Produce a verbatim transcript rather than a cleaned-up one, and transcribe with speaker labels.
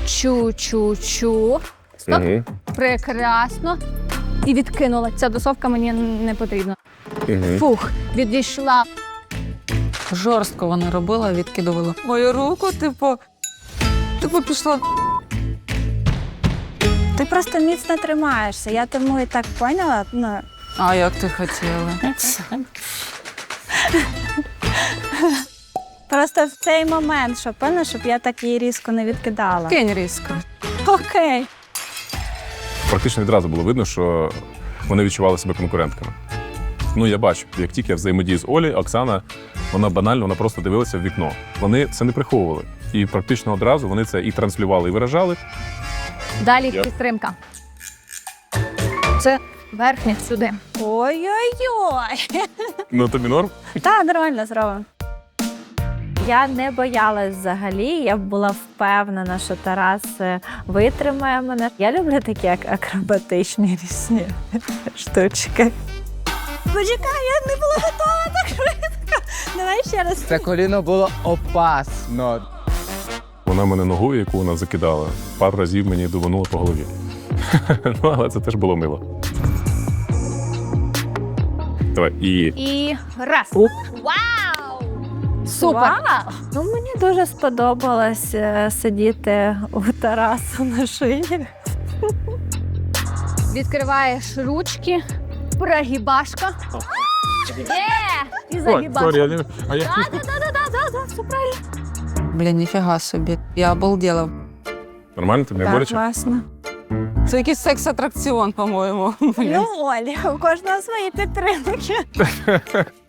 Speaker 1: Чу-чу-чу. Стоп.
Speaker 2: Угу.
Speaker 1: Прекрасно. І відкинула. Ця досовка мені не потрібна.
Speaker 2: Угу.
Speaker 1: Фух, відійшла.
Speaker 3: Жорстко вона робила, відкидувала. Мою руку, типу, типу пішла.
Speaker 4: Ти просто міцно тримаєшся. Я тому і так поняла. Ну,
Speaker 3: А як ти хотіла?
Speaker 4: просто в цей момент, щоб, певно, щоб я так її різко не відкидала.
Speaker 3: Кинь різко.
Speaker 4: Окей.
Speaker 2: Практично відразу було видно, що вони відчували себе конкурентками. Ну, я бачу, як тільки я взаємодію з Олі, Оксана, вона банально, вона просто дивилася в вікно. Вони це не приховували. І практично одразу вони це і транслювали, і виражали.
Speaker 1: Далі
Speaker 2: Я.
Speaker 1: підтримка. Це верхня сюди.
Speaker 4: Ой-ой-ой.
Speaker 2: Ну, тобі норм?
Speaker 4: Так, нормально зробимо. Я не боялась взагалі, я була впевнена, що Тарас е, витримає мене. Я люблю такі як акробатичні різні штучки. Почекай, я не була готова так швидко. Давай ще раз.
Speaker 5: Це коліно було опасно.
Speaker 2: Вона мене ногою, яку вона закидала, пару разів мені дубанула по голові. Ну, але це теж було мило. Давай, і...
Speaker 1: І раз. Вау! Супер!
Speaker 4: Вау! Ну, мені дуже сподобалось е, сидіти у Тарасу на шиї.
Speaker 1: Відкриваєш ручки, прогибашка. Є! І загибашка.
Speaker 2: А я...
Speaker 1: Да-да-да-да-да, все правильно.
Speaker 3: Блін, ніфіга собі. Я обалділа.
Speaker 2: Нормально, тобі не
Speaker 4: Так,
Speaker 2: боляче?
Speaker 4: класно.
Speaker 3: Це якийсь секс-атракціон, по-моєму.
Speaker 4: Ну, Олі, у кожного свої підтримки.